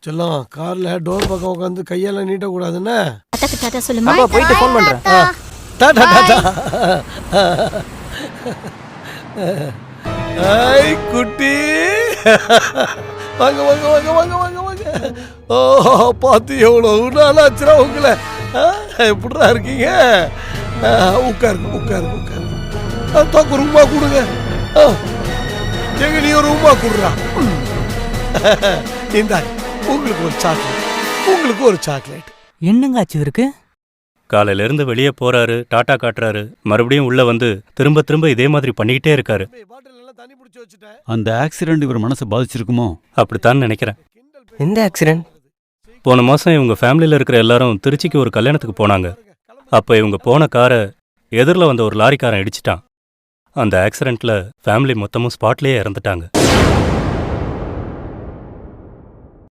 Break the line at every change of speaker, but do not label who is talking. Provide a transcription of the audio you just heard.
செல்லம் கார்ல டோர் பக்கம் உட்காந்து கையெல்லாம் நீட்டக்கூடாதுன்னு.
அத்தாக்கு டாடா சொல்லுமா.
அப்பா போயிட்டு ஃபோன் பண்றேன்.
டாடா டாடா. ஐ குட்டி, வாங்க வாங்க வாங்க வாங்க வாங்க வாங்க. ஓ பார்த்து எவ்வளவு நாளாச்சுரா உங்களை. எப்படிடா இருக்கீங்க? உட்காருங்க உட்காருங்க உட்காருங்க. தோக்கு ரூமா கொடுங்க. எங்க நீ ஒரு ரூமா கொடுறா. இந்தாங்க உங்களுக்கு ஒரு சாக்லேட், உங்களுக்கு ஒரு சாக்லேட்.
என்னங்க ஆச்சு இவருக்கு?
காலையில இருந்து வெளியே போறாரு, டாட்டா காட்டுறாரு, மறுபடியும் உள்ள வந்து திரும்ப திரும்ப இதே மாதிரி பண்ணிக்கிட்டே இருக்காரு.
அந்த ஆக்சிடென்ட் இவர் மனசை பாதிச்சிருக்குமோ?
அப்படித்தான் நினைக்கிறேன்.
எந்த ஆக்சிடென்ட்?
போன மாசம் இவங்க ஃபேமிலியில இருக்கிற எல்லாரும் திருச்சிக்கு ஒரு கல்யாணத்துக்கு போனாங்க. அப்ப இவங்க போன காரை எதிரில் வந்த ஒரு லாரிக்காரன் இடிச்சிட்டான். அந்த ஆக்சிடென்ட்ல ஃபேமிலி மொத்தமும் ஸ்பாட்லயே இறந்துட்டாங்க.